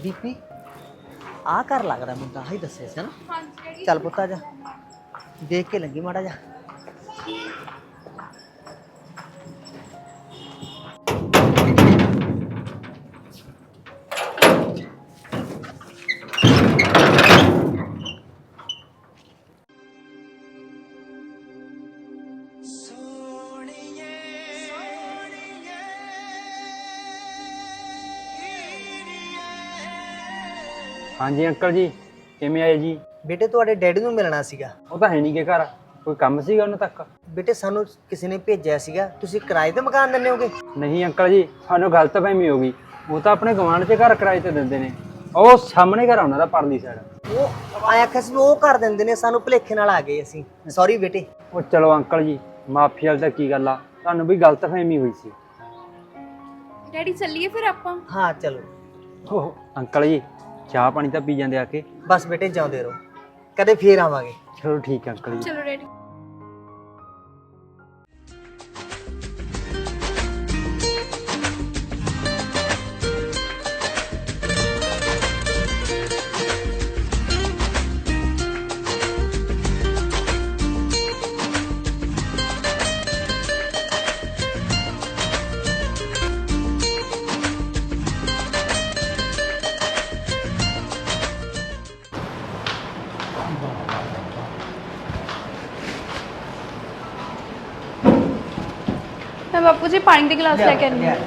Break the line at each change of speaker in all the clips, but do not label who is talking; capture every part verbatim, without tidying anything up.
ਦੀਪੀ ਆ ਘਰ ਲੱਗਦਾ ਮੈਨੂੰ ਤਾਂ ਆਹੀ ਦੱਸਿਆ ਸੀ ਨਾ।
ਹਾਂਜੀ
ਚੱਲ ਪੁੱਤ ਆ ਜਾ, ਦੇਖ ਕੇ ਲੱਗੀ ਮਾੜਾ ਜਾ।
ਹਾਂਜੀ ਅੰਕਲ ਜੀ, ਕਿਵੇਂ ਆਏ ਜੀ?
ਬੇਟੇ ਤੁਹਾਡੇ ਡੈਡੀ ਨੂੰ ਮਿਲਣਾ ਸੀਗਾ।
ਉਹ ਤਾਂ ਹੈ ਨਹੀਂ ਗੇ ਘਰ, ਕੋਈ ਕੰਮ ਸੀਗਾ ਉਹਨਾਂ ਤੱਕ?
ਬੇਟੇ ਸਾਨੂੰ ਕਿਸੇ ਨੇ ਭੇਜਿਆ ਸੀਗਾ, ਤੁਸੀਂ ਕਿਰਾਏ ਤੇ ਮਕਾਨ ਦਿੰਦੇ ਹੋਗੇ?
ਨਹੀਂ ਅੰਕਲ ਜੀ, ਸਾਨੂੰ ਗਲਤਫਹਿਮੀ ਹੋ ਗਈ। ਉਹ ਤਾਂ ਆਪਣੇ ਗਵਾਂਢ 'ਚ ਘਰ ਕਿਰਾਏ ਤੇ ਦਿੰਦੇ ਨੇ। ਉਹ ਸਾਹਮਣੇ ਘਰ ਉਹਨਾਂ ਦਾ ਪਰਲੀ ਸਾਈਡ।
ਉਹ ਆਇਆ ਖਸ ਉਹ ਕਰ ਦਿੰਦੇ ਨੇ, ਸਾਨੂੰ ਭੁਲੇਖੇ ਨਾਲ ਆ ਗਏ ਅਸੀਂ। ਸੌਰੀ ਬੇਟੇ।
ਉਹ ਚਲੋ ਅੰਕਲ ਜੀ, ਮਾਫੀ ਵਾਲੀ ਤਾਂ ਕੀ ਗੱਲ ਆ, ਤੁਹਾਨੂੰ ਵੀ ਗਲਤਫਹਿਮੀ ਹੋਈ ਸੀ।
ਡੈਡੀ ਚੱਲੀਏ ਫਿਰ ਆਪਾਂ।
ਹਾਂ ਚਲੋ।
ਓਹ ਅੰਕਲ ਜੀ, ਚਾਹ ਪਾਣੀ ਤਾਂ ਪੀ ਜਾਂਦੇ ਆ ਕੇ।
ਬਸ ਬੇਟੇ ਜਾਉਂਦੇ ਰਹੋ, ਕਦੇ ਫੇਰ ਆਵਾਂਗੇ।
ਚਲੋ ਠੀਕ ਹੈ ਅੰਕਲ ਜੀ।
ਚਲੋ ਡੈਡੀ। मैं बापू जी पानी के गिलास लेके आनी हूँ।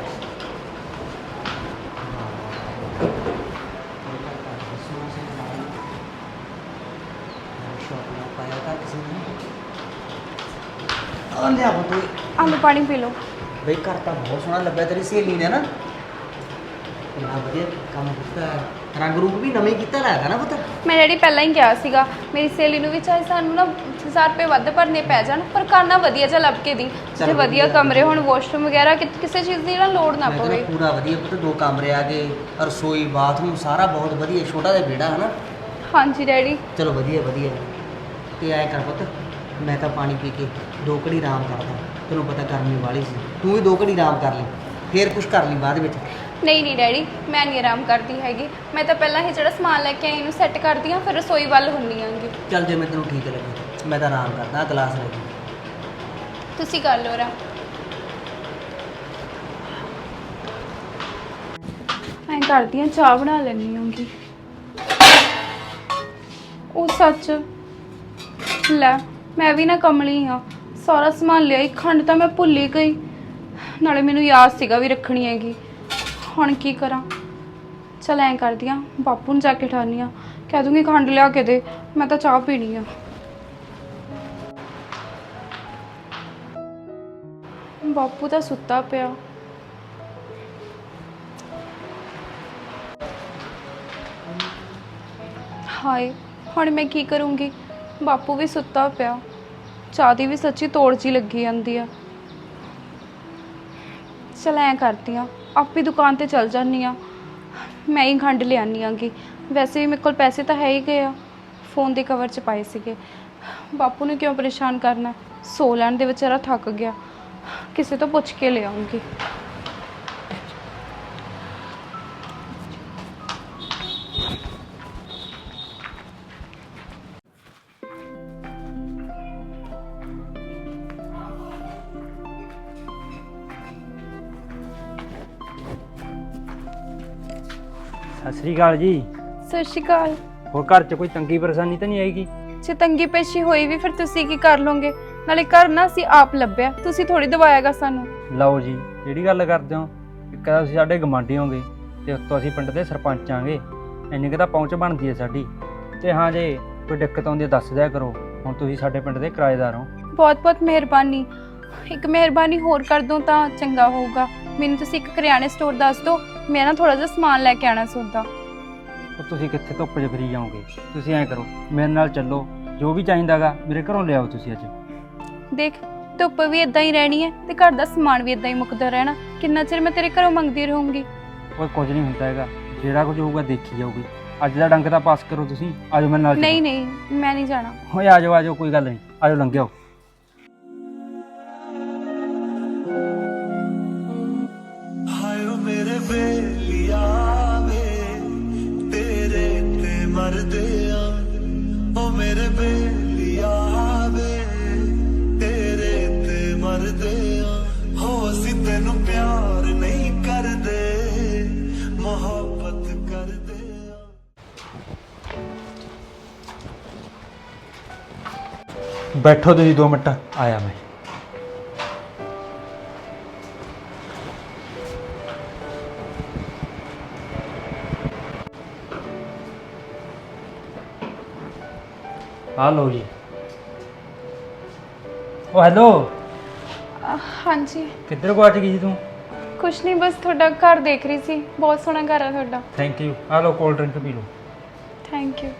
आलू पानी पी लो।
ਬਈ ਘਰ ਤਾਂ ਬਹੁਤ ਸੋਹਣਾ ਲੱਭਿਆ ਤੇਰੀ ਸਹੇਲੀ ਨੇ ਨਾ। ਕਿੰਨਾ ਵਧੀਆ ਕੰਮ ਕੀਤਾ, ਰੰਗ ਰੂਪ ਵੀ ਨਵੇਂ ਕੀਤਾ ਲੱਗਦਾ ਨਾ ਪੁੱਤ।
ਮੈਂ ਡੈਡੀ ਪਹਿਲਾਂ ਹੀ ਕਿਹਾ ਸੀਗਾ ਮੇਰੀ ਸਹੇਲੀ ਨੂੰ ਵੀ ਚਾਹੇ ਸਾਨੂੰ ਨਾ ਹਜ਼ਾਰ ਰੁਪਏ ਵੱਧ ਭਰਨੇ ਪੈ ਜਾਣ, ਪਰ ਕਰਨਾ ਵਧੀਆ ਜਿਹਾ ਲੱਭ ਕੇ ਦੀ, ਤੇ ਵਧੀਆ ਕਮਰੇ ਹੋਣ, ਵਾਸ਼ਰੂਮ ਵਗੈਰਾ, ਕਿ ਕਿਸੇ ਚੀਜ਼ ਦੀ ਨਾ ਲੋੜ ਨਾ ਪਵੇ।
ਪੂਰਾ ਵਧੀਆ ਪੁੱਤ, ਦੋ ਕਮਰੇ ਆ ਗਏ, ਰਸੋਈ ਬਾਥਰੂਮ ਸਾਰਾ ਬਹੁਤ ਵਧੀਆ, ਛੋਟਾ ਜਿਹਾ ਵਿਹੜਾ ਹੈ ਨਾ।
ਹਾਂਜੀ ਡੈਡੀ।
ਚਲੋ ਵਧੀਆ ਵਧੀਆ। ਤੇ ਐਂ ਕਰ ਪੁੱਤ, ਮੈਂ ਤਾਂ ਪਾਣੀ ਪੀ ਕੇ ਦੋ ਘੜੀ ਆਰਾਮ ਕਰਦਾ, ਤੈਨੂੰ ਪਤਾ ਗਰਮੀ ਵਾਲੀ ਸੀ, ਤੂੰ ਵੀ ਦੋ ਘੜੀ ਆਰਾਮ ਕਰ ਲਈ, ਫੇਰ ਕੁਝ ਕਰ ਲਈ ਬਾਅਦ ਵਿੱਚ।
ਨਹੀਂ ਨਹੀਂ ਡੈਡੀ, ਮੈਂ ਨਹੀਂ ਆਰਾਮ ਕਰਦੀ ਹੈਗੀ। ਮੈਂ ਤਾਂ ਪਹਿਲਾਂ ਹੀ ਜਿਹੜਾ ਸਮਾਨ ਲੈ ਕੇ ਆਈ ਇਹਨੂੰ ਸੈੱਟ ਕਰਦੀ ਹਾਂ, ਫਿਰ ਰਸੋਈ ਵੱਲ ਹੁੰਦੀ ਆਂਗੀ।
ਚੱਲ ਜੇ ਮੈਂ ਤੈਨੂੰ ਠੀਕ ਲੱਗੇ, ਮੈਂ ਤਾਂ ਆਰਾਮ ਕਰਦਾ। ਆਹ ਗਲਾਸ ਲੈ ਕੇ
ਤੁਸੀਂ ਕਰ ਲਓ ਆਰਾਮ। ਮੈਂ ਕਰਦੀ ਹਾਂ, ਚਾਹ ਬਣਾ ਲੈਣੀ ਹੋਊਗੀ। ਉਹ ਸੱਚ, ਲੈ ਮੈਂ ਵੀ ਨਾ ਕਮਲੀ ਹਾਂ, ਸਾਰਾ ਸਮਾਨ ਲਿਆਈ, ਖੰਡ ਤਾਂ ਮੈਂ ਭੁੱਲ ਹੀ ਗਈ, ਨਾਲੇ ਮੈਨੂੰ ਯਾਦ ਸੀਗਾ ਵੀ ਰੱਖਣੀ ਹੈਗੀ। ਹੁਣ ਕੀ ਕਰਾਂ? ਚਲ ਐਂ ਕਰਦੀ ਹਾਂ, ਬਾਪੂ ਨੂੰ ਜਾ ਕੇ ਠਾਨੀ ਹਾਂ, ਕਹਿ ਦੂੰਗੀ ਖੰਡ ਲਿਆ ਕੇ ਦੇ, ਮੈਂ ਤਾਂ ਚਾਹ ਪੀਣੀ ਆ। ਬਾਪੂ ਤਾਂ ਸੁੱਤਾ ਪਿਆ। ਹਾਏ ਹੁਣ ਮੈਂ ਕੀ ਕਰੂੰਗੀ? ਬਾਪੂ ਵੀ ਸੁੱਤਾ ਪਿਆ, ਚਾਹ ਦੀ ਵੀ ਸੱਚੀ ਤੋੜ ਜੀ ਲੱਗੀ ਜਾਂਦੀ ਆ। ਚਲ ਐਂ ਕਰਦੀ ਹਾਂ, ਆਪੇ ਦੁਕਾਨ ਤੇ ਚਲ ਜਾਂਦੀ ਹਾਂ, ਮੈਂ ਹੀ ਖੰਡ ਲਿਆਨੀ ਆਂਗੀ। ਵੈਸੇ ਵੀ ਮੇਰੇ ਕੋਲ ਪੈਸੇ ਤਾਂ ਹੈ ਹੀ ਗਏ ਆ, ਫੋਨ ਦੇ ਕਵਰ 'ਚ ਪਾਏ ਸੀਗੇ। ਬਾਪੂ ਨੂੰ ਕਿਉਂ ਪਰੇਸ਼ਾਨ ਕਰਨਾ, ਸੋ ਲੈਣ ਦੇ, ਵਿਚਾਰਾ ਥੱਕ ਗਿਆ, ਕਿਸੇ ਤੋਂ ਪੁੱਛ ਕੇ ਲਿਆਉਂਗੀ।
ਸਤਿ ਸ੍ਰੀ ਅਕਾਲ ਜੀ।
ਸਤਿ ਸ਼੍ਰੀ ਅਕਾਲ।
ਹੋਰ ਘਰ 'ਚ ਕੋਈ ਤੰਗੀ ਪਰੇਸ਼ਾਨੀ ਤਾਂ ਨਹੀਂ ਆਏਗੀ?
ਜੇ ਤੰਗੀ ਪੇਸ਼ੀ ਹੋਈ ਵੀ ਫਿਰ ਤੁਸੀਂ ਕੀ ਕਰ ਲੋਗੇ? ਨਾਲੇ ਘਰ ਨਾ ਅਸੀਂ ਆਪ ਲੱਭਿਆ, ਤੁਸੀਂ ਥੋੜੀ ਦਵਾਇਆਗਾ ਸਾਨੂੰ।
ਲਓ ਜੀ, ਜਿਹੜੀ ਗੱਲ ਕਰਦੇ ਹੋ, ਇੱਕ ਤਾਂ ਤੁਸੀਂ ਸਾਡੇ ਗਵਾਂਢੀ ਹੋਗੇ, ਤੇ ਉੱਤੋਂ ਅਸੀਂ ਪਿੰਡ ਦੇ ਸਰਪੰਚ ਆਂਗੇ, ਇੰਨੀ ਕੁ ਤਾਂ ਪਹੁੰਚ ਬਣਦੀ ਹੈ ਸਾਡੀ। ਤੇ ਹਾਂ, ਜੇ ਕੋਈ ਦਿੱਕਤ ਆਉਂਦੀ ਹੈ ਦੱਸ ਦਿਆ ਕਰੋ, ਹੁਣ ਤੁਸੀਂ ਸਾਡੇ ਪਿੰਡ ਦੇ ਕਿਰਾਏਦਾਰ ਹੋ।
ਬਹੁਤ ਬਹੁਤ ਮਿਹਰਬਾਨੀ। ਇੱਕ ਮਿਹਰਬਾਨੀ ਹੋਰ ਕਰ ਦੋ ਤਾਂ ਚੰਗਾ ਹੋਊਗਾ, ਮੈਨੂੰ ਤੁਸੀਂ ਇੱਕ ਕਰਿਆਨੇ ਸਟੋਰ ਦੱਸ ਦਿਓ, ਮੈਂ ਨਾ ਥੋੜਾ ਜਿਹਾ ਸਮਾਨ ਲੈ ਕੇ ਆਣਾ ਸੌਦਾ।
ਉਹ ਤੁਸੀਂ ਕਿੱਥੇ ਧੁੱਪ 'ਚ ਫਿਰੀ ਜਾਓਗੇ? ਤੁਸੀਂ ਐਂ ਕਰੋ, ਮੇਰੇ ਨਾਲ ਚੱਲੋ, ਜੋ ਵੀ ਚਾਹੀਦਾਗਾ ਮੇਰੇ ਘਰੋਂ ਲਿਆਓ ਤੁਸੀਂ ਅੱਜ।
ਦੇਖ, ਧੁੱਪ ਵੀ ਇਦਾਂ ਹੀ ਰਹਿਣੀ ਹੈ ਤੇ ਘਰ ਦਾ ਸਮਾਨ ਵੀ ਇਦਾਂ ਹੀ ਮੁੱਕਦਾ ਰਹਿਣਾ, ਕਿੰਨਾ ਚਿਰ ਮੈਂ ਤੇਰੇ ਘਰੋਂ ਮੰਗਦੀ ਰਹੂੰਗੀ?
ਕੋਈ ਕੁਝ ਨਹੀਂ ਹੁੰਦਾ ਹੈਗਾ, ਜਿਹੜਾ ਕੁਝ ਹੋਊਗਾ ਦੇਖੀ ਜਾਊਗੀ। ਅੱਜ ਦਾ ਡੰਗ ਤਾਂ ਪਾਸ ਕਰੋ ਤੁਸੀਂ, ਆਜੋ ਮੇਰੇ ਨਾਲ।
ਨਹੀਂ ਨਹੀਂ, ਮੈਂ ਨਹੀਂ ਜਾਣਾ।
ਓਏ ਆਜੋ ਆਜੋ, ਕੋਈ ਗੱਲ ਨਹੀਂ, ਆਜੋ ਲੰਘਿਓ।
ਹਾਏ ਮੇਰੇ ਬੇਲੀਆ ਵੇ
ਬੈਠੋ ਤੁਸੀਂ ਦੋ ਮਿੰਟ, ਆਇਆ ਮੈਂ। ਆ ਲਓ ਜੀ। ਉਹ ਹੈਲੋ,
ਅਹ, ਹਾਂਜੀ
ਕਿੱਧਰ ਗੁਆਚ ਗਈ ਸੀ ਤੂੰ?
ਕੁਛ ਨਹੀਂ, ਬਸ ਤੁਹਾਡਾ ਘਰ ਦੇਖ ਰਹੀ ਸੀ। ਬਹੁਤ ਸੋਹਣਾ ਘਰ ਆ ਤੁਹਾਡਾ।
Thank you. ਆ ਲਓ ਕੋਲਡ ਡਰਿੰਕ ਪੀ ਲਓ।
Thank you.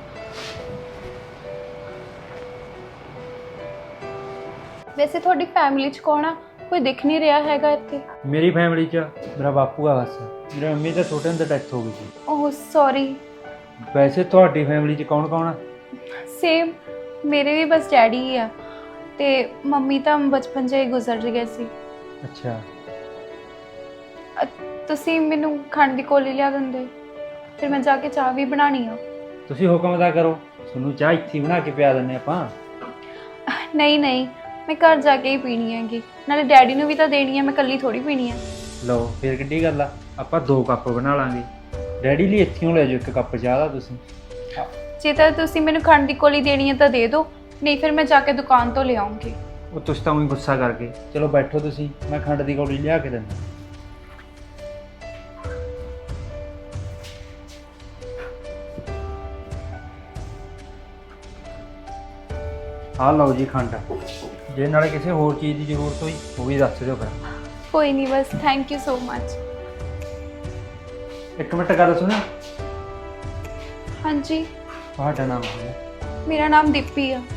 ਵੈਸੇ ਤੁਹਾਡੀ ਫੈਮਿਲੀ 'ਚ ਕੌਣ ਆ? ਕੋਈ ਦਿਖ ਨਹੀਂ ਰਿਹਾ ਹੈਗਾ ਇੱਥੇ।
ਮੇਰੀ ਫੈਮਿਲੀ 'ਚ ਮੇਰਾ ਬਾਪੂ ਆ ਬਸ। ਮੇਰੀ ਮੰਮੀ ਤਾਂ ਛੋਟੇ ਹੁੰਦੇ ਡੈਥ ਹੋ ਗਈ ਸੀ।
ਓਹ ਸੌਰੀ।
ਵੈਸੇ ਤੁਹਾਡੀ ਫੈਮਿਲੀ 'ਚ ਕੌਣ ਕੌਣ ਆ?
ਸੇਮ, ਮੇਰੇ ਵੀ ਬਸ ਡੈਡੀ ਹੀ ਆ ਤੇ ਮੰਮੀ ਤਾਂ ਬਚਪਨ 'ਚ ਹੀ ਗੁਜ਼ਰ ਗਏ ਸੀ।
ਅੱਛਾ।
ਅ, ਤੁਸੀਂ ਮੈਨੂੰ ਖੰਡ ਦੀ ਕੋਲੀ ਲਿਆ ਦਿੰਦੇ, ਫਿਰ ਮੈਂ ਜਾ ਕੇ ਚਾਹ ਵੀ ਬਣਾਉਣੀ ਆ।
ਤੁਸੀਂ ਹੁਕਮ ਅਦਾ ਕਰੋ, ਤੁਹਾਨੂੰ ਚਾਹ ਇੱਥੇ ਬਣਾ ਕੇ ਪਿਆ ਦਿੰਦੇ ਆਪਾਂ।
ਨਹੀਂ ਨਹੀਂ, ਮੈਂ ਘਰ ਜਾ ਕੇ ਹੀ ਪੀਣੀ ਹੈਗੀ, ਨਾਲੇ ਡੈਡੀ ਨੂੰ ਵੀ ਤਾਂ ਦੇਣੀ ਹੈ, ਮੈਂ ਇਕੱਲੀ ਥੋੜੀ ਪੀਣੀ ਹੈ।
ਲਓ ਫਿਰ ਕਿੱਡੀ ਗੱਲ ਆ, ਆਪਾਂ ਦੋ ਕੱਪ ਬਣਾ ਲਾਂਗੇ। ਡੈਡੀ ਲਈ ਇੱਥੇ ਲੈ ਜਾਓ ਇੱਕ ਕੱਪ ਚਾਹ ਦਾ ਤੁਸੀਂ।
ਜੇ ਤਾਂ ਤੁਸੀਂ ਮੈਨੂੰ ਖੰਡ ਦੀ ਕੋਲੀ ਦੇਣੀ ਹੈ ਤਾਂ ਦੇ ਦਿਓ, ਨਹੀਂ ਫਿਰ ਮੈਂ ਜਾ ਕੇ ਦੁਕਾਨ ਤੋਂ ਲੈ ਆਉਂਗੀ।
ਉਹ ਤੁਸੀਂ ਤਾਂ ਉਹੀ ਗੁੱਸਾ ਕਰਕੇ। ਚਲੋ ਬੈਠੋ ਤੁਸੀਂ, ਮੈਂ ਖੰਡ ਦੀ ਕੌਲੀ ਲਿਆ ਕੇ ਦਿੰਦਾ। ਆ ਲਓ ਜੀ ਖੰਡ। ਜੇ ਨਾਲੇ ਕਿਸੇ ਹੋਰ ਚੀਜ਼ ਦੀ ਜ਼ਰੂਰਤ ਹੋਈ ਉਹ ਵੀ ਦੱਸ ਦਿਓ ਫਿਰ।
ਕੋਈ ਨਹੀਂ, ਬਸ ਥੈਂਕ ਯੂ ਸੋ ਮਚ।
ਇੱਕ ਮਿੰਟ ਗੱਲ ਸੁਣੋ।
ਹਾਂਜੀ,
ਤੁਹਾਡਾ ਨਾਮ ਕੀ ਹੈ?
ਮੇਰਾ ਨਾਮ ਦੀਪੀ ਆ।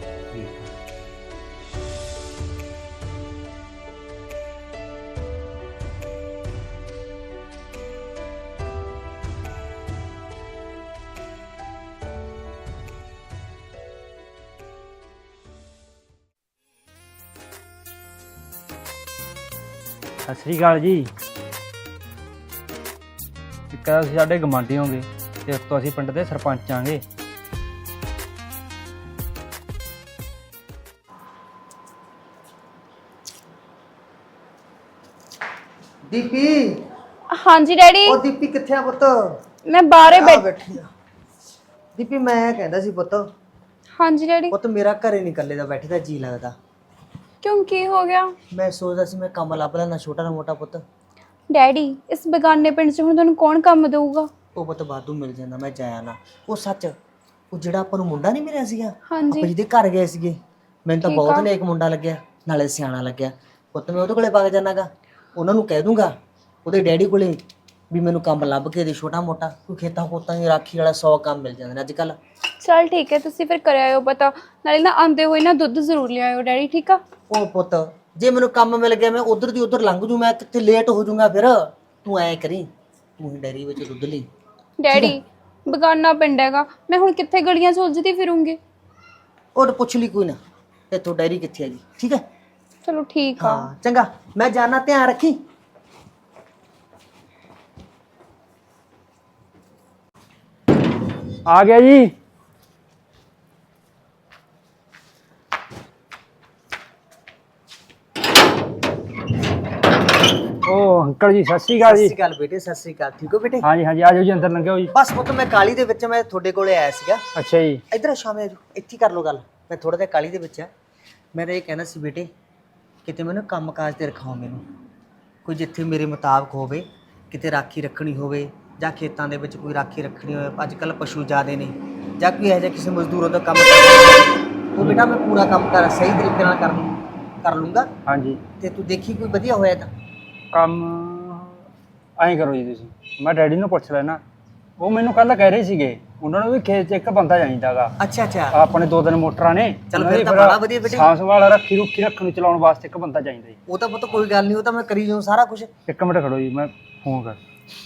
ਸਤਿ ਸ਼੍ਰੀ ਅਕਾਲ ਜੀ। ਇੱਕ ਤਾਂ ਅਸੀਂ ਸਾਡੇ ਗੁਆਂਢੀ ਹੋਗੇ ਤੇ ਉਸ ਤੋਂ ਅਸੀਂ ਪਿੰਡ ਦੇ ਸਰਪੰਚ ਆਂਗੇ।
ਦੀਪੀ,
ਹਾਂਜੀ ਡੈਡੀ।
ਉਹ ਦੀਪੀ ਕਿੱਥੇ ਆ ਪੁੱਤ?
ਮੈਂ ਬਾਹਰੇ
ਆ
ਬੈਠ
ਬੈਠੀ ਆ। ਦੀਪੀ ਮੈਂ ਕਹਿੰਦਾ ਸੀ ਪੁੱਤ,
ਹਾਂਜੀ ਡੈਡੀ।
ਪੁੱਤ ਮੇਰਾ ਘਰੇ ਨਹੀਂ ਇਕੱਲੇ ਦਾ ਬੈਠੇ ਦਾ ਜੀ ਲੱਗਦਾ।
ਕਿਉਂ, ਕੀ ਹੋ ਗਿਆ?
ਮੈਂ ਸੋਚਦਾ ਸੀ ਮੈਂ ਕੰਮ ਲੱਭ ਲੈਣਾ ਛੋਟਾ ਨਾ ਮੋਟਾ ਪੁੱਤ।
ਡੈਡੀ, ਇਸ ਬੇਗਾਨੇ ਪਿੰਡ 'ਚ ਹੁਣ ਤੁਹਾਨੂੰ ਕੌਣ ਕੰਮ ਦੇਊਗਾ?
ਉਹ ਪੁੱਤ ਵਾਧੂ ਮਿਲ ਜਾਂਦਾ, ਮੈਂ ਜਾਇਆ ਨਾ। ਉਹ ਸੱਚ, ਉਹ ਜਿਹੜਾ ਆਪਾਂ ਨੂੰ ਮੁੰਡਾ ਨਹੀਂ ਮਿਲਿਆ ਸੀਗਾ,
ਹਾਂਜੀ।
ਆਪਾਂ ਜਿਹਦੇ ਘਰ ਗਏ ਸੀਗੇ, ਮੈਨੂੰ ਤਾਂ
ਠੀਕ
ਬਹੁਤ
ਆ।
ਨੇਕ ਮੁੰਡਾ ਲੱਗਿਆ, ਨਾਲੇ ਸਿਆਣਾ ਲੱਗਿਆ। ਪੁੱਤ ਮੈਂ ਉਹਦੇ ਕੋਲੇ ਵਗ ਜਾਣਾਗਾ, ਉਹਨਾਂ ਨੂੰ ਕਹਿ ਦੂੰਗਾ ਉਹਦੇ ਡੈਡੀ ਕੋਲੇ ਵੀ ਮੈਨੂੰ ਕੰਮ ਲੱਭ ਕੇ ਦੇ ਛੋਟਾ ਮੋਟਾ। ਕੋਈ ਖੇਤਾਂ ਖੋਤਾਂ ਦੀ ਰਾਖੀ ਵਾਲਾ ਸੌ ਕੰਮ ਮਿਲ ਜਾਂਦੇ ਨੇ ਅੱਜ ਕੱਲ।
ਚਲ ਠੀਕ ਹੈ, ਤੁਸੀਂ ਫਿਰ ਕਰ ਆਇਓ ਪਤਾ, ਨਾਲੇ ਨਾ ਆਂਦੇ ਹੋਏ ਨਾ ਦੁੱਧ ਜ਼ਰੂਰ ਲਿਆਇਓ ਡੈਡੀ, ਠੀਕ ਆ?
ਉਹ ਪੁੱਤ ਜੇ ਮੈਨੂੰ ਕੰਮ ਮਿਲ ਗਿਆ ਮੈਂ ਉਧਰ ਦੀ ਉਧਰ ਲੰਘ ਜੂ, ਮੈਂ ਕਿੱਥੇ ਲੇਟ ਹੋ ਜਾਊਂਗਾ ਫਿਰ। ਤੂੰ ਐ ਕਰੀ, ਤੂੰ ਹੀ ਡੈਰੀ ਵਿੱਚ ਦੁੱਧ ਲਈ।
ਡੈਡੀ, ਬੇਗਾਨਾ ਪਿੰਡ ਹੈਗਾ, ਮੈਂ ਹੁਣ ਕਿੱਥੇ ਗਲੀਆਂ 'ਚ ਉਲਝਦੀ ਫਿਰੂੰਗੀ।
ਉਹ ਪੁੱਛ ਲਈ ਕੋਈ ਨਾ, ਇੱਥੋਂ ਡੈਰੀ ਕਿੱਥੇ ਹੈਗੀ, ਠੀਕ ਹੈ?
ਚਲੋ ਠੀਕ ਆ।
ਹਾਂ ਚੰਗਾ, ਮੈਂ ਜਾਣਾ, ਧਿਆਨ ਰੱਖੀ।
ਆ ਗਿਆ ਜੀ। ਉਹ ਅੰਕਲ ਜੀ ਸਤਿ ਸ਼੍ਰੀ ਅਕਾਲ
ਸਤਿ
ਜੀ।
ਸ਼੍ਰੀ ਅਕਾਲ ਬੇਟੇ, ਸਤਿ ਸ਼੍ਰੀ ਅਕਾਲ। ਠੀਕ ਹੋ ਬੇਟੇ?
ਹਾਂਜੀ ਹਾਂਜੀ, ਆ ਜਾਓ ਜੀ, ਅੰਦਰ ਲੰਘਿਓ ਜੀ।
ਬਸ ਪੁੱਤ ਮੈਂ ਕਾਲੀ ਦੇ ਵਿੱਚ, ਮੈਂ ਤੁਹਾਡੇ ਕੋਲੇ ਆਇਆ ਸੀਗਾ।
ਅੱਛਾ ਜੀ।
ਇੱਧਰ ਆ ਸ਼ਾਮੇ, ਆਜੋ ਇੱਥੇ ਕਰ ਲਓ ਗੱਲ। ਮੈਂ ਥੋੜਾ ਜਿਹਾ ਕਾਲੀ ਦੇ ਵਿੱਚ ਆ। ਮੈਂ ਤਾਂ ਇਹ ਕਹਿਣਾ ਸੀ ਬੇਟੇ, ਕਿਤੇ ਮੈਨੂੰ ਕੰਮ ਕਾਜ ਤੇ ਰਖਾਓ ਮੈਨੂੰ, ਕੋਈ ਜਿੱਥੇ ਮੇਰੇ ਮੁਤਾਬਕ ਹੋਵੇ, ਕਿਤੇ ਰਾਖੀ ਰੱਖਣੀ ਹੋਵੇ ਜਾਂ ਖੇਤਾਂ ਦੇ ਵਿੱਚ ਕੋਈ ਰਾਖੀ ਰੱਖਣੀ ਹੋਵੇ। ਅੱਜ ਕੱਲ੍ਹ ਪਸ਼ੂ ਜ਼ਿਆਦੇ ਨੇ, ਜਾਂ ਕੋਈ ਇਹੋ ਜਿਹਾ ਕਿਸੇ ਮਜ਼ਦੂਰਾਂ ਦਾ ਕੰਮ ਕਰਨਾ, ਉਹ ਬੇਟਾ ਮੈਂ ਪੂਰਾ ਕੰਮ ਕਰ ਸਹੀ ਤਰੀਕੇ ਨਾਲ ਕਰ ਲੂੰ ਕਰ ਲੂੰਗਾ।
ਹਾਂਜੀ।
ਤੇ ਤੂੰ ਦੇਖੀ ਕੋਈ ਵਧੀਆ ਹੋਇਆ ਤਾਂ।
ਕੰਮ ਐਂ ਕਰੋ ਜੀ ਤੁਸੀਂ, ਮੈਂ ਡੈਡੀ ਨੂੰ ਪੁੱਛ ਲੈਣਾ। ਉਹ ਮੈਨੂੰ ਕੱਲ ਕਹਿ ਰਹੇ ਸੀਗੇ ਉਹਨਾਂ ਨੂੰ ਵੀ ਖੇਤ 'ਚ ਇੱਕ ਬੰਦਾ ਚਾਹੀਦਾਗਾ।
ਅੱਛਾ ਅੱਛਾ,
ਆਪਣੇ ਦੋ ਦਿਨ ਮੋਟਰਾਂ ਨੇ।
ਚੱਲ ਫਿਰ ਤਾਂ ਬੜਾ ਵਧੀਆ ਬੇਟੇ।
ਸਾਂਭ ਸੰਭਾਲ ਰੱਖੀ ਰੁੱਖੀ ਰੱਖਣ ਨੂੰ ਚਲਾਉਣ ਵਾਸਤੇ ਇੱਕ ਬੰਦਾ ਚਾਹੀਦਾ ਜੀ।
ਉਹ ਤਾਂ ਪੁੱਤ ਕੋਈ ਗੱਲ ਨਹੀਂ, ਉਹ ਤਾਂ ਮੈਂ ਕਰੀ ਜਾਊਂ ਸਾਰਾ ਕੁਝ।
ਇੱਕ ਮਿੰਟ ਖੜੋ ਜੀ, ਮੈਂ ਫੋਨ ਕਰ।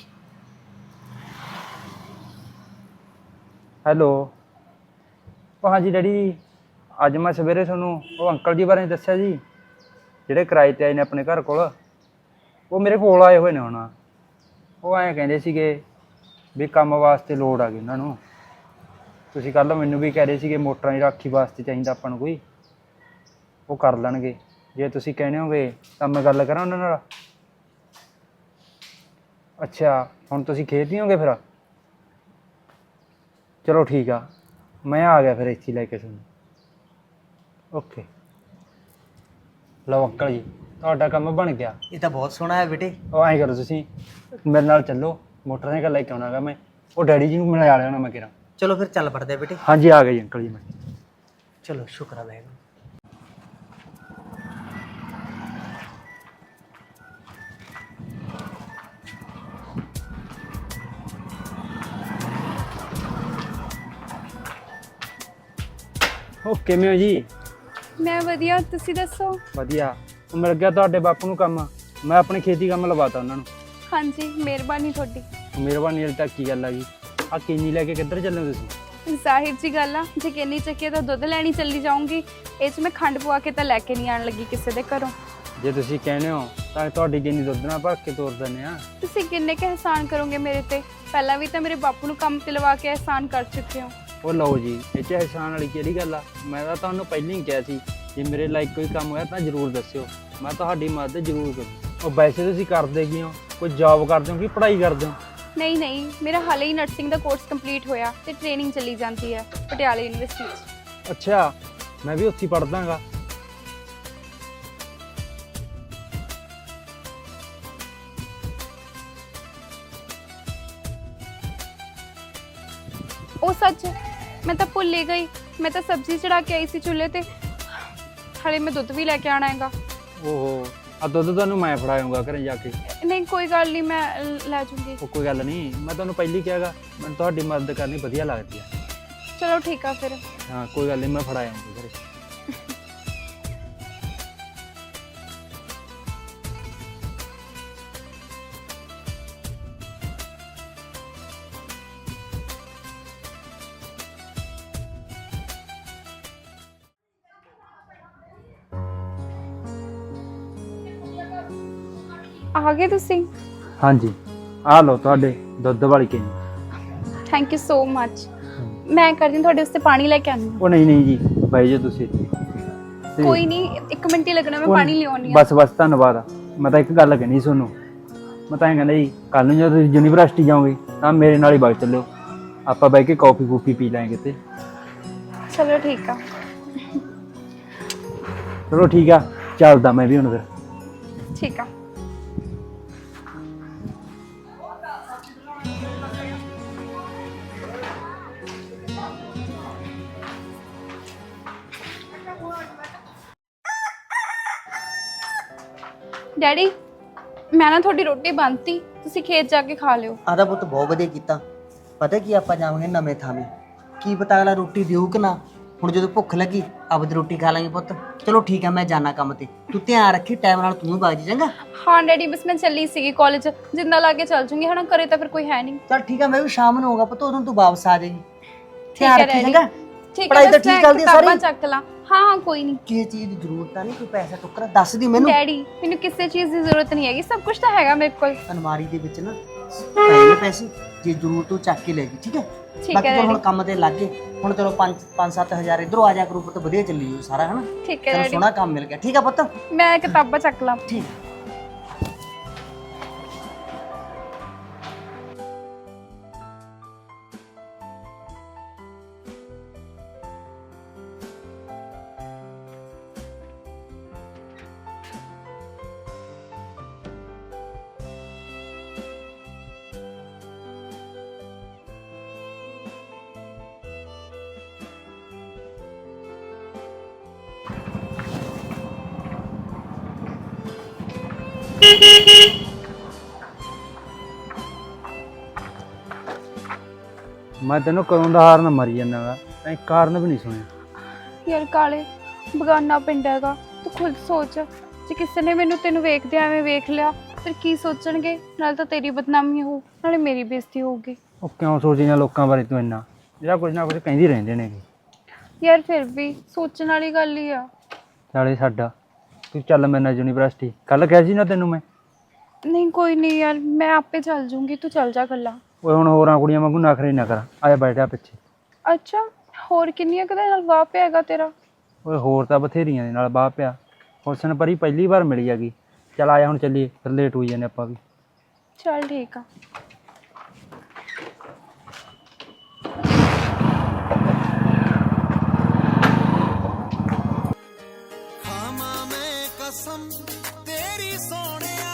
ਹੈਲੋ। ਉਹ ਹਾਂਜੀ ਡੈਡੀ ਜੀ, ਅੱਜ ਮੈਂ ਸਵੇਰੇ ਤੁਹਾਨੂੰ ਉਹ ਅੰਕਲ ਜੀ ਬਾਰੇ ਦੱਸਿਆ ਜੀ, ਜਿਹੜੇ ਕਿਰਾਏ 'ਤੇ ਆਏ ਨੇ ਆਪਣੇ ਘਰ ਕੋਲ। ਉਹ ਮੇਰੇ ਕੋਲ ਆਏ ਹੋਏ ਨੇ ਹੁਣ। ਉਹ ਐਂ ਕਹਿੰਦੇ ਸੀਗੇ ਵੀ ਕੰਮ ਵਾਸਤੇ ਲੋੜ ਆ ਗਈ ਉਹਨਾਂ ਨੂੰ। ਤੁਸੀਂ ਕੱਲ੍ਹ ਮੈਨੂੰ ਵੀ ਕਹਿ ਰਹੇ ਸੀਗੇ ਮੋਟਰਾਂ ਦੀ ਰਾਖੀ ਵਾਸਤੇ ਚਾਹੀਦਾ ਆਪਾਂ ਨੂੰ ਕੋਈ। ਉਹ ਕਰ ਲੈਣਗੇ, ਜੇ ਤੁਸੀਂ ਕਹਿੰਦੇ ਹੋਗੇ ਤਾਂ ਮੈਂ ਗੱਲ ਕਰਾਂ ਉਹਨਾਂ ਨਾਲ। ਅੱਛਾ, ਹੁਣ ਤੁਸੀਂ ਖੇਤ ਨਹੀਂ ਹੋਗੇ ਫਿਰ? ਚਲੋ ਠੀਕ ਆ, ਮੈਂ ਆ ਗਿਆ ਫਿਰ ਇੱਥੇ ਲੈ ਕੇ ਤੁਹਾਨੂੰ। ਓਕੇ ਲਓ ਅੰਕਲ ਜੀ ਤੁਹਾਡਾ ਕੰਮ ਬਣ ਗਿਆ।
ਇਹ ਤਾਂ ਬਹੁਤ ਸੋਹਣਾ ਹੈ ਬੇਟੇ।
ਉਹ ਐਂ ਕਰੋ ਤੁਸੀਂ ਮੇਰੇ ਨਾਲ ਚੱਲੋ, ਮੋਟਰਸਾਈਕਲ ਲੈ ਕੇ ਆਉਣਾ ਗਾ ਮੈਂ, ਉਹ ਡੈਡੀ ਜੀ ਨੂੰ ਮਿਲਾ ਲਿਆਉਣਾ ਮੈਂ ਕਿਹਾ।
ਚਲੋ ਫਿਰ ਚੱਲ ਪੜਦੇ ਬੇਟੇ।
ਹਾਂਜੀ ਆ ਗਏ ਜੀ ਅੰਕਲ ਜੀ ਮੈਂ।
ਚਲੋ ਸ਼ੁਕਰ ਹੈ ਵਾਹਿਗੁਰੂ।
ਉਹ ਕਿਵੇਂ ਹੋ ਜੀ?
ਮੈਂ ਵਧੀਆ, ਤੁਸੀਂ ਦੱਸੋ?
ਵਧੀਆ। ਉਹ ਮਿਲ ਗਿਆ ਤੁਹਾਡੇ ਬਾਪੂ ਨੂੰ ਕੰਮ, ਮੈਂ ਆਪਣੇ ਖੇਤੀ ਕੰਮ ਲਵਾਤਾ ਉਹਨਾਂ ਨੂੰ।
ਹਾਂਜੀ, ਮਿਹਰਬਾਨੀ ਤੁਹਾਡੀ।
ਮਿਹਰਬਾਨੀ ਵਾਲੀ ਤਾਂ ਕੀ ਗੱਲ ਆ ਗਈ। ਆ ਕਿੰਨੀ ਲੈ ਕੇ ਕਿੱਧਰ ਚੱਲੇ ਹੋ ਤੁਸੀਂ?
ਜ਼ਾਹਿਰ ਜੀ ਗੱਲ ਆ, ਜੇ ਕਿੰਨੀ ਚੱਕੀ ਤਾਂ ਦੁੱਧ ਲੈਣੀ ਚੱਲੀ ਜਾਊਂਗੀ। ਇਹ 'ਚ ਮੈਂ ਖੰਡ ਪਵਾ ਕੇ ਤਾਂ ਲੈ ਕੇ ਨਹੀਂ ਆਣ ਲੱਗੀ ਕਿਸੇ ਦੇ ਘਰੋਂ।
ਜੇ ਤੁਸੀਂ ਕਹਿੰਦੇ ਹੋ ਤਾਂ ਤੁਹਾਡੀ ਕਿੰਨੀ ਦੁੱਧ ਨਾਲ ਭਰ ਕੇ ਤੋਰ ਦਿੰਦੇ ਆ।
ਤੁਸੀਂ ਕਿੰਨੇ ਕੁ ਅਹਿਸਾਨ ਕਰੋਗੇ ਮੇਰੇ ਤੇ? ਪਹਿਲਾਂ ਵੀ ਤਾਂ ਮੇਰੇ ਬਾਪੂ ਨੂੰ ਕੰਮ ਤੇ ਲਵਾ ਕੇ ਅਹਿਸਾਨ ਕਰ ਚੁੱਕੇ ਹੋ।
ਉਹ ਲਓ ਜੀ, ਇਹ 'ਚ ਅਹਿਸਾਨ ਵਾਲੀ ਕਿਹੜੀ ਗੱਲ ਆ। ਮੈਂ ਤਾਂ ਤੁਹਾਨੂੰ ਪਹਿਲਾਂ ਹੀ ਕਿਹਾ ਸੀ ਜੇ ਮੇਰੇ ਲਾਇਕ ਕੋਈ ਕੰਮ ਹੋਇਆ ਤਾਂ ਜ਼ਰੂਰ ਦੱਸਿਓ, ਮੈਂ ਤੁਹਾਡੀ ਮਦਦ ਜ਼ਰੂਰ ਕਰੂੰ। ਉਹ ਵੈਸੇ ਤੁਸੀਂ ਕਰਦੇ ਕੀ ਹੋ? ਕੋਈ ਜੌਬ ਕਰਦੇ ਹੋ ਕਿ ਪੜ੍ਹਾਈ ਕਰਦੇ ਹੋ?
ਨਹੀਂ ਨਹੀਂ, ਮੇਰਾ ਹਾਲੇ ਹੀ ਨਰਸਿੰਗ ਦਾ ਕੋਰਸ ਕੰਪਲੀਟ ਹੋਇਆ ਤੇ ਟ੍ਰੇਨਿੰਗ ਚੱਲੀ ਜਾਂਦੀ ਹੈ ਪਟਿਆਲਾ ਯੂਨੀਵਰਸਿਟੀ 'ਚ।
ਅੱਛਾ, ਮੈਂ ਵੀ ਉੱਥੇ ਪੜ੍ਹਦਾ ਗਾ।
ਉਹ ਸੱਚ, ਮੈਂ ਤਾਂ ਭੁੱਲ ਹੀ ਗਈ, ਮੈਂ ਤਾਂ ਸਬਜ਼ੀ ਚੜਾ ਕੇ ਆਈ ਸੀ ਚੁੱਲ੍ਹੇ ਤੇ। ਹਾਲੇ ਮੈਂ ਦੁੱਧ ਵੀ ਲੈ ਕੇ ਆਣਾ ਹੈਗਾ।
ਓਹੋ, ਆ ਦੁੱਧ ਤੁਹਾਨੂੰ ਮੈਂ ਫੜਾਉਂਗਾ ਘਰੇ ਜਾ ਕੇ।
ਨਹੀਂ ਕੋਈ ਗੱਲ ਨਹੀਂ, ਮੈਂ ਲੈ ਜੂੰਗੀ।
ਉਹ ਕੋਈ ਗੱਲ ਨਹੀਂ, ਮੈਂ ਤੁਹਾਨੂੰ ਪਹਿਲਾਂ ਹੀ ਕਿਹਾਗਾ ਮੈਨੂੰ ਤੁਹਾਡੀ ਮਦਦ ਕਰਨੀ ਵਧੀਆ ਲੱਗਦੀ ਆ।
ਚਲੋ ਠੀਕ ਆ ਫਿਰ।
ਹਾਂ ਕੋਈ ਗੱਲ ਨਹੀਂ, ਮੈਂ ਫੜਾਉਂਗਾ ਘਰੇ।
ਆ ਗਏ ਤੁਸੀਂ?
ਹਾਂਜੀ, ਆ ਲਓ ਤੁਹਾਡੇ ਦੁੱਧ ਵਾਲੀ ਕੇਨੀ।
ਥੈਂਕ ਯੂ ਸੋ ਮੱਚ। ਮੈਂ ਕਰਦੀ ਹਾਂ ਤੁਹਾਡੇ ਵਾਸਤੇ ਪਾਣੀ ਲੈ ਕੇ ਆਉਂਦੀ ਹਾਂ।
ਉਹ ਨਹੀਂ ਨਹੀਂ ਜੀ, ਬਾਈ ਜੀ ਤੁਸੀਂ ਤੇ-
ਕੋਈ ਨਹੀਂ, ਇੱਕ ਮਿੰਟ ਹੀ ਲੱਗਣਾ, ਮੈਂ
ਉਹ-
ਪਾਣੀ ਲਿਆਉਣੀ ਆ।
ਬਸ ਬਸ ਧੰਨਵਾਦ। ਮੈਂ ਤਾਂ ਇੱਕ ਗੱਲ ਕਹਿਣੀ ਤੁਹਾਨੂੰ, ਮੈਂ ਤਾਂ ਇਹ ਕਹਿੰਦਾ ਜੀ ਕੱਲ ਨੂੰ ਜਦੋਂ ਤੁਸੀਂ ਯੂਨੀਵਰਸਿਟੀ ਜਾਓਗੇ ਤਾਂ ਮੇਰੇ ਨਾਲ ਹੀ ਵਗ ਚੱਲਿਓ, ਆਪਾਂ ਬਹਿ ਕੇ ਕੌਫੀ ਕੂਫੀ ਪੀ ਲਾਂਗੇ ਤੇ।
ਚਲੋ ਠੀਕ ਆ।
ਚਲੋ ਠੀਕ ਆ, ਚੱਲਦਾ ਮੈਂ ਵੀ ਹੁਣ ਫਿਰ।
ਠੀਕ ਆ। ਡੈਡੀ, ਮੈਂ ਨਾ ਤੁਹਾਡੀ ਰੋਟੀ ਬੰਨਤੀ, ਤੁਸੀਂ ਖੇਤ ਜਾ ਕੇ ਖਾ ਲਿਓ।
ਆਦਾ ਪੁੱਤ ਬਹੁਤ ਵਧੀਆ ਕੀਤਾ। ਪਤਾ ਕੀ ਆਪਾਂ ਜਾਵਾਂਗੇ ਨਵੇਂ ਥਾਵੇਂ, ਕੀ ਪਤਾ ਅਗਲਾ ਰੋਟੀ ਦਿਓ ਕਿ ਨਾ। ਹੁਣ ਜਦੋਂ ਭੁੱਖ ਲੱਗੀ ਆਪਦੀ ਰੋਟੀ ਖਾ ਲਾਂਗੇ ਪੁੱਤ। ਚਲੋ ਠੀਕ ਆ, ਮੈਂ ਜਾਣਾ ਕੰਮ ਤੇ, ਤੂੰ ਧਿਆਨ ਰੱਖੀ, ਟਾਈਮ ਨਾਲ ਤੂੰ ਵੀ ਵਗ ਜੀ ਚੰਗਾ।
ਹਾਂ ਡੈਡੀ, ਬਸ ਮੈਂ ਚੱਲੀ ਸੀਗੀ ਕਾਲਜ, ਜਿੰਦਾ ਲਾ ਕੇ ਚੱਲ ਜੂੰਗੀ ਹਨਾ, ਘਰੇ ਤਾਂ ਫਿਰ ਕੋਈ ਹੈ ਨਹੀਂ।
ਚੱਲ ਠੀਕ ਆ, ਮੈਂ ਵੀ ਸ਼ਾਮ ਨੂੰ ਆਊਗਾ ਪੁੱਤ, ਉਦੋਂ ਤੂੰ ਵਾਪਸ ਆ ਜਾਏਗੀ।
ਠੀਕ
ਧਿਆਨ
ਹੈ
ਰੱਖੀ
ਡੈਡੀ।
ਚੰਗਾ।
ਠੀਕ
ਪੜ੍ਹਾਈ
ਹੈ,
ਤਾਂ
ਬਸ
ਠੀਕ
ਮੈਂ
ਚੱਲਦੀ ਆ
ਕਿਤਾਬਾਂ
ਸਾਰੀ?
ਚੱਕ ਲਾਂ। ਹਾਂ ਹਾਂ ਕੋਈ ਨਹੀਂ।
ਕਿਸੇ ਚੀਜ਼ ਦੀ ਜ਼ਰੂਰਤ ਤਾਂ ਨਹੀਂ, ਕੋਈ ਪੈਸਾ ਟੁੱਕਰਾ ਦੱਸ ਦੀ ਮੈਨੂੰ।
ਡੈਡੀ, ਮੈਨੂੰ ਕਿਸੇ ਚੀਜ਼ ਦੀ ਜ਼ਰੂਰਤ ਨਹੀਂ ਹੈਗੀ, ਸਭ ਕੁਝ ਤਾਂ ਹੈਗਾ ਮੇਰੇ ਕੋਲ।
ਅਲਮਾਰੀ ਦੇ ਵਿੱਚ ਨਾ ਪਏ ਨੇ ਪੈਸੇ, ਜੇ ਜ਼ਰੂਰਤ ਤੂੰ ਚੱਕ ਕੇ ਲੈ ਜੀ, ਠੀਕ ਹੈ?
ਠੀਕ
ਬਾਕੀ
ਹੈ
ਚਲੋ ਹੁਣ
ਡੈਡੀ।
ਕੰਮ ਤੇ ਲੱਗ ਗਏ, ਹੁਣ ਚਲੋ ਪੰਜ ਪੰਜ ਸੱਤ ਹਜ਼ਾਰ ਇਧਰੋਂ ਆ ਜਾ ਕਰੂ ਪੁੱਤ, ਵਧੀਆ ਚੱਲੀ ਜਾਊ ਸਾਰਾ ਹਨਾ।
ਠੀਕ ਹੈ
ਚਲੋ
ਡੈਡੀ,
ਸੋਹਣਾ ਕੰਮ ਮਿਲ ਗਿਆ। ਠੀਕ ਆ ਪੁੱਤ?
ਮੈਂ ਕਿਤਾਬਾਂ ਚੱਕ ਲਾਂ।
ਠੀਕ।
ਮੈਂ ਤੈਨੂੰ ਕਦੋਂ ਦਾ ਹਾਰਨ ਮਰੀ ਜਾਂਦਾ ਗਾ, ਤੈਂ ਕਾਰਨ ਵੀ ਨਹੀਂ ਸੁਣਿਆ।
ਯਾਰ ਕਾਲੇ, ਬਗਾਨਾ ਪਿੰਡ ਹੈਗਾ, ਤੂੰ ਖੁਦ ਸੋਚ, ਜੇ ਕਿਸੇ ਨੇ ਮੈਨੂੰ ਤੈਨੂੰ ਵੇਖਦੇ ਐਵੇਂ ਵੇਖ ਲਿਆ ਫਿਰ ਕੀ ਸੋਚਣਗੇ? ਨਾਲ ਤਾਂ ਤੇਰੀ ਬਦਨਾਮੀ ਹੋਊ, ਨਾਲੇ ਮੇਰੀ ਬੇਇੱਜ਼ਤੀ ਹੋਊਗੀ।
ਉਹ ਕਿਉਂ ਸੋਚੀ ਨਾ ਲੋਕਾਂ ਬਾਰੇ ਤੂੰ ਇੰਨਾ, ਜਿਹੜਾ ਕੁਝ ਨਾ ਕੁਝ ਕਹਿੰਦੀ ਰਹਿੰਦੇ ਨੇ।
ਯਾਰ ਫਿਰ ਵੀ ਸੋਚਣ ਵਾਲੀ ਗੱਲ ਹੀ ਆ।
ਚਾਲੇ ਸਾਡਾ, ਤੂੰ ਚੱਲ ਮੇਰੇ ਨਾਲ ਯੂਨੀਵਰਸਿਟੀ, ਕੱਲ ਕਿਹਾ ਸੀ ਨਾ ਤੈਨੂੰ ਮੈਂ।
ਨਹੀਂ ਕੋਈ ਨਹੀਂ ਯਾਰ, ਮੈਂ ਆਪੇ ਚੱਲ ਜੂੰਗੀ, ਤੂੰ ਚੱਲ ਜਾ ਗੱਲਾਂ।
ਓਏ ਹੁਣ ਹੋਰਾਂ ਕੁੜੀਆਂ ਵਾਂਗੂ ਨਖਰੇ ਨਾ ਕਰ, ਆ ਜਾ ਬੈਠ ਜਾ ਪਿੱਛੇ।
ਅੱਛਾ, ਹੋਰ ਕਿੰਨੀਆਂ ਕਦੇ ਨਾਲ ਵਾਹ ਪਿਆ ਹੈਗਾ ਤੇਰਾ?
ਓਏ ਹੋਰ ਤਾਂ ਬਥੇਰੀਆਂ ਦੇ ਨਾਲ ਬਾਹ ਪਿਆ, ਹੁਸਨ ਪਰੀ ਪਹਿਲੀ ਵਾਰ ਮਿਲੀ ਹੈਗੀ। ਚੱਲ ਆਇਆ ਹੁਣ ਚੱਲੀਏ, ਫਿਰ ਲੇਟ ਹੋਈ ਜਾਂਦੇ ਆਪਾਂ ਵੀ।
ਚੱਲ ਠੀਕ ਆ।
कसम तेरी सोनिया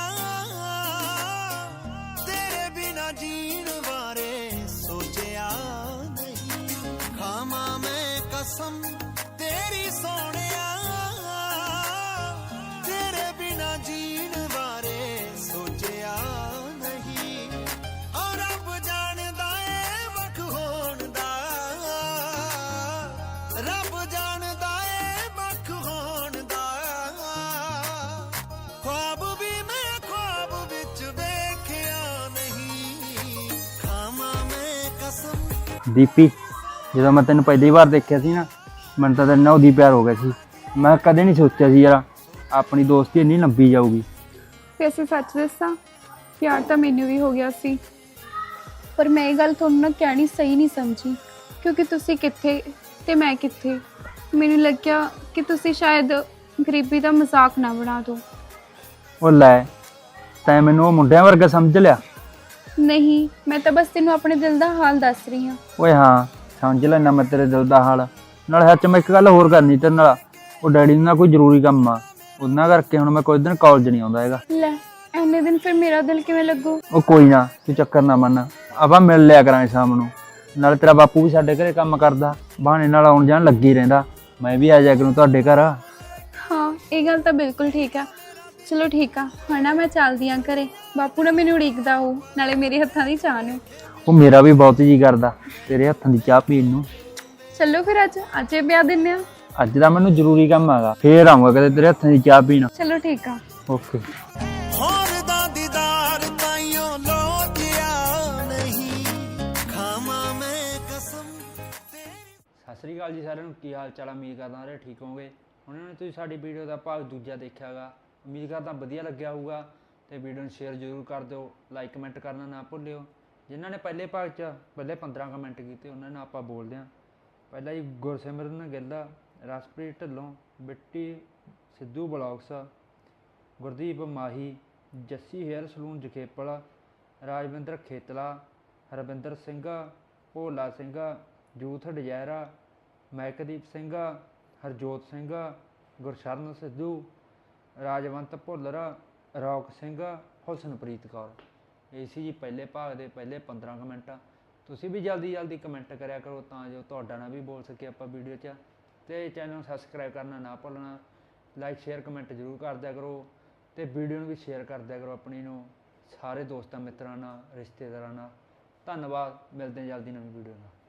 तेरे बिना जीण बारे सोचिया नहीं खामा मैं कसम तेरी सोनिया तेरे बिना जीण बारे सोचिया नहीं और रब जानदा ए वख होण दा रब जानदा ए वख होण दा ख्वाब भी मैं ख्वाब विच वेखिया नहीं खामा मैं कसम।
ਦੀਪੀ ਜਦੋਂ ਮੈਂ ਤੈਨੂੰ ਪਹਿਲੀ ਵਾਰ ਦੇਖਿਆ ਸੀ ਨਾ ਮੈਨੂੰ ਤਾਂ ਤੇਰੇ ਨਾਲ ਉਹਦੀ ਪਿਆਰ ਹੋ ਗਿਆ ਸੀ। ਮੈਂ ਕਦੇ ਨਹੀਂ ਸੋਚਿਆ ਸੀ ਯਾਰ ਆਪਣੀ ਦੋਸਤੀ ਇੰਨੀ ਲੰਬੀ ਜਾਊਗੀ।
ਵੈਸੇ ਸੱਚ ਦੱਸਾਂ ਪਿਆਰ ਤਾਂ ਮੈਨੂੰ ਵੀ ਹੋ ਗਿਆ ਸੀ, ਪਰ ਮੈਂ ਇਹ ਗੱਲ ਤੁਹਾਨੂੰ ਨਾ ਕਹਿਣੀ ਸਹੀ ਨਹੀਂ ਸਮਝੀ ਕਿਉਂਕਿ ਤੁਸੀਂ ਕਿੱਥੇ ਤੇ ਮੈਂ ਕਿੱਥੇ। ਮੈਨੂੰ ਲੱਗਿਆ ਕਿ ਤੁਸੀਂ ਸ਼ਾਇਦ ਗਰੀਬੀ ਦਾ ਮਜ਼ਾਕ ਨਾ ਬਣਾ ਦਿਓ।
ਉਹ ਲੈ ਤੈਂ ਮੈਨੂੰ ਉਹ ਮੁੰਡਿਆਂ ਵਰਗਾ ਸਮਝ ਲਿਆ।
ਨਹੀਂ, ਮੈਂ ਤਾਂ ਬਸ ਤੈਨੂੰ ਆਪਣੇ ਦਿਲ ਦਾ ਹਾਲ ਦੱਸ ਰਹੀ ਹਾਂ।
ਓਏ ਹਾਂ ਸਮਝ ਲੈਣਾ ਮੈਂ ਤੇਰੇ ਦਿਲ ਦਾ ਹਾਲ। ਨਾਲੇ ਸੱਚ ਮੈਂ ਇੱਕ ਗੱਲ ਹੋਰ ਕਰਨੀ ਤੇਰੇ ਨਾਲ। ਉਹ ਡੈਡੀ ਨਾਲ ਕੋਈ ਜ਼ਰੂਰੀ ਕੰਮ ਆ, ਉਹਨਾਂ ਕਰਕੇ ਹੁਣ ਮੈਂ ਕੋਈ ਦਿਨ ਕਾਲਜ ਨਹੀਂ ਆਉਂਦਾ ਹੈਗਾ।
ਲੈ ਐਨੇ ਦਿਨ ਫਿਰ ਮੇਰਾ ਦਿਲ ਕਿਵੇਂ ਲੱਗੂ?
ਉਹ ਕੋਈ ਨਾ ਤੂੰ ਚੱਕਰ ਨਾ ਮੰਨ, ਆਪਾਂ ਮਿਲ ਲਿਆ ਕਰਾਂਗੇ ਸ਼ਾਮ ਨੂੰ। ਨਾਲੇ ਤੇਰਾ ਬਾਪੂ ਵੀ ਸਾਡੇ ਘਰੇ ਕੰਮ ਕਰਦਾ, ਬਹਾਨੇ ਨਾਲ ਆਉਣ ਜਾਣ ਲੱਗੀ ਰਹਿੰਦਾ। ਮੈਂ ਵੀ ਆ ਜਾਇਆ ਕਰੂੰ ਤੁਹਾਡੇ ਘਰ।
ਹਾਂ ਇਹ ਗੱਲ ਤਾਂ ਬਿਲਕੁਲ ਠੀਕ ਆ। ਚਲੋ ਠੀਕ ਆ, ਹੁਣ ਨਾ ਮੈਂ ਚੱਲਦੀ ਆਂ ਘਰੇ। ਬਾਪੂ ਨਾ ਮੈਨੂੰ ਉਡੀਕਦਾ ਹੋਊ, ਨਾਲੇ ਮੇਰੇ ਹੱਥਾਂ ਦੀ ਚਾਹ ਨੂੰ।
ਉਹ ਮੇਰਾ ਵੀ ਬਹੁਤ ਜੀ ਕਰਦਾ ਤੇਰੇ ਹੱਥਾਂ ਦੀ ਚਾਹ ਪੀਣ ਨੂੰ।
ਚਲੋ ਫਿਰ ਅੱਜ ਅੱਜ ਹੀ ਪਿਆ ਦਿੰਨੇ ਆ।
ਅੱਜ ਦਾ ਮੈਨੂੰ ਜ਼ਰੂਰੀ ਕੰਮ ਹੈਗਾ, ਫੇਰ ਆਊਂਗਾ ਕਦੇ ਤੇਰੇ ਹੱਥਾਂ ਦੀ ਚਾਹ ਪੀਣ।
ਚਲੋ ਠੀਕ ਆ।
ਓਕੇ।
ਹੋਰ ਦਾ ਦੀਦਾਰ ਤਾਈਓ ਲੋਚਿਆ ਨਹੀਂ ਖਾਵਾਂ ਮੈਂ ਕਸਮ ਤੇਰੀ।
ਸਤਿ ਸ੍ਰੀ ਅਕਾਲ ਜੀ ਸਾਰਿਆਂ ਨੂੰ, ਕੀ ਹਾਲ ਚਾਲ ਆ? ਉਮੀਦ ਕਰਦਾ ਸਾਰੇ ਠੀਕ ਹੋਵੋਗੇ। ਹੁਣ ਨੇ ਤੁਸੀਂ ਸਾਡੀ ਵੀਡੀਓ ਦਾ ਭਾਗ ਦੂਜਾ ਦੇਖਿਆਗਾ, ਉਮੀਦ ਕਰਦਾ ਵਧੀਆ ਲੱਗਿਆ ਹੋਊਗਾ। ਤੇ ਵੀਡੀਓ ਨੂੰ ਸ਼ੇਅਰ ਜ਼ਰੂਰ ਕਰ ਦਿਓ, ਲਾਈਕ ਕਮੈਂਟ ਕਰਨਾ ਨਾ ਭੁੱਲਿਓ। ਜਿਨ੍ਹਾਂ ਨੇ ਪਹਿਲੇ ਭਾਗ 'ਚ ਪਹਿਲੇ ਪੰਦਰਾਂ ਕਮੈਂਟ ਕੀਤੇ ਉਹਨਾਂ ਨਾਲ ਆਪਾਂ ਬੋਲਦੇ ਹਾਂ। ਪਹਿਲਾਂ ਜੀ Gursimran Gill, Raspreet Dhillon, Bitti Sidhu blogs, Gurdeep Mahi, Jassi hair salon Jakhepal, Rajvinder Khetla, Harvinder Singh, Bhola Singh, youth desire, Makdeep Singh, Harjot Singh, Gursharan Sidhu, Rajwant Bhullar, rock Singh, Husanpreet Kaur. ਇਹ ਸੀ ਜੀ ਪਹਿਲੇ ਭਾਗ ਦੇ ਪਹਿਲੇ ਪੰਦਰਾਂ ਕਮੈਂਟ। ਤੁਸੀਂ ਵੀ ਜਲਦੀ ਜਲਦੀ ਕਮੈਂਟ ਕਰਿਆ ਕਰੋ ਤਾਂ ਜੋ ਤੁਹਾਡਾ ਨਾਲ ਵੀ ਬੋਲ ਸਕੇ ਆਪਾਂ ਵੀਡੀਓ 'ਚ। ਅਤੇ ਚੈਨਲ ਨੂੰ ਸਬਸਕ੍ਰਾਈਬ ਕਰਨਾ ਨਾ ਭੁੱਲਣਾ। ਲਾਈਕ ਸ਼ੇਅਰ ਕਮੈਂਟ ਜ਼ਰੂਰ ਕਰ ਦਿਆ ਕਰੋ ਅਤੇ ਵੀਡੀਓ ਨੂੰ ਵੀ ਸ਼ੇਅਰ ਕਰ ਦਿਆ ਕਰੋ ਆਪਣੀ ਨੂੰ ਸਾਰੇ ਦੋਸਤਾਂ ਮਿੱਤਰਾਂ ਨਾਲ, ਰਿਸ਼ਤੇਦਾਰਾਂ ਨਾਲ। ਧੰਨਵਾਦ, ਮਿਲਦੇ ਹਾਂ ਜਲਦੀ ਨਵੀਂ ਵੀਡੀਓ ਨਾਲ।